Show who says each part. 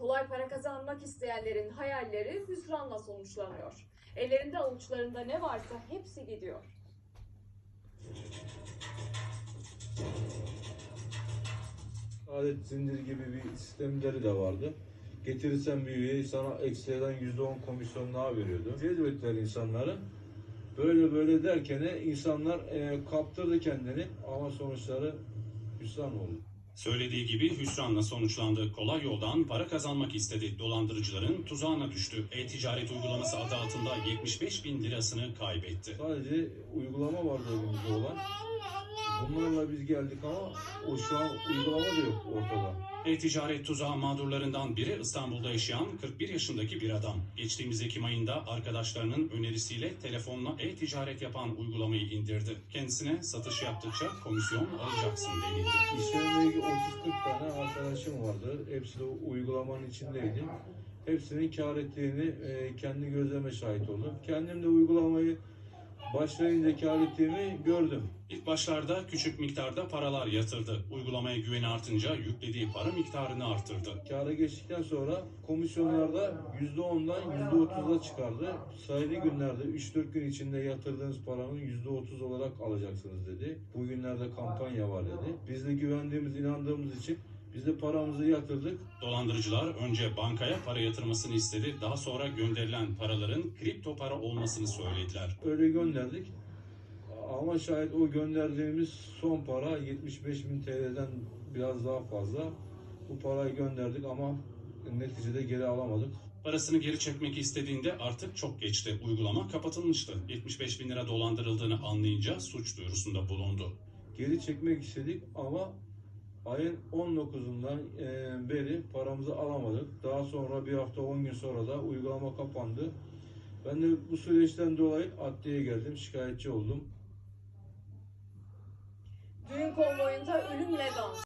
Speaker 1: Kolay para kazanmak isteyenlerin hayalleri hüsranla sonuçlanıyor. Ellerinde avuçlarında ne varsa hepsi gidiyor.
Speaker 2: Adet zinciri gibi bir sistemleri de vardı. Getirirsen bir üyeyi sana ekstradan %10 komisyon daha veriyordu. Cezbettiler insanları. Böyle böyle derken insanlar kaptırdı kendini ama sonuçları hüsran oldu.
Speaker 3: Söylediği gibi hüsranla sonuçlandı. Kolay yoldan para kazanmak istedi. Dolandırıcıların tuzağına düştü. E-ticaret uygulaması adı altında 75 bin lirasını kaybetti.
Speaker 2: Sadece uygulama vardı elimizde olan. Bunlarla biz geldik ama o şu an uygulama da yok ortada.
Speaker 3: E-ticaret tuzağı mağdurlarından biri İstanbul'da yaşayan 41 yaşındaki bir adam. Geçtiğimiz Ekim ayında arkadaşlarının önerisiyle telefonla e-ticaret yapan uygulamayı indirdi. Kendisine satış yaptıkça komisyon alacaksın denildi.
Speaker 2: İşlerimle ilgili 30-40 tane arkadaşım vardı. Hepsi de uygulamanın içindeydi. Hepsinin kâr ettiğini kendi gözleme şahit oldum. Kendim de uygulamayı başlayınca kâr ettiğimi gördüm.
Speaker 3: İlk başlarda küçük miktarda paralar yatırdı. Uygulamaya güveni artınca yüklediği para miktarını artırdı.
Speaker 2: Kâra geçtikten sonra komisyonlarda %10'dan %30'a çıkardı. Sayılı günlerde 3-4 gün içinde yatırdığınız paranın %30 olarak alacaksınız dedi. Bugünlerde kampanya var dedi. Biz de güvendiğimiz, inandığımız için biz de paramızı yatırdık.
Speaker 3: Dolandırıcılar önce bankaya para yatırmasını istedi. Daha sonra gönderilen paraların kripto para olmasını söylediler.
Speaker 2: Öyle gönderdik. Ama şayet o gönderdiğimiz son para 75.000 TL'den biraz daha fazla. Bu parayı gönderdik ama neticede geri alamadık.
Speaker 3: Parasını geri çekmek istediğinde artık çok geçti. Uygulama kapatılmıştı. 75 bin lira dolandırıldığını anlayınca suç duyurusunda bulundu.
Speaker 2: Geri çekmek istedik ama ayın 19'undan beri paramızı alamadık. Daha sonra bir hafta 10 gün sonra da uygulama kapandı. Ben de bu süreçten dolayı adliyeye geldim, şikayetçi oldum.
Speaker 1: Düğün konvoyunda ölümle dans.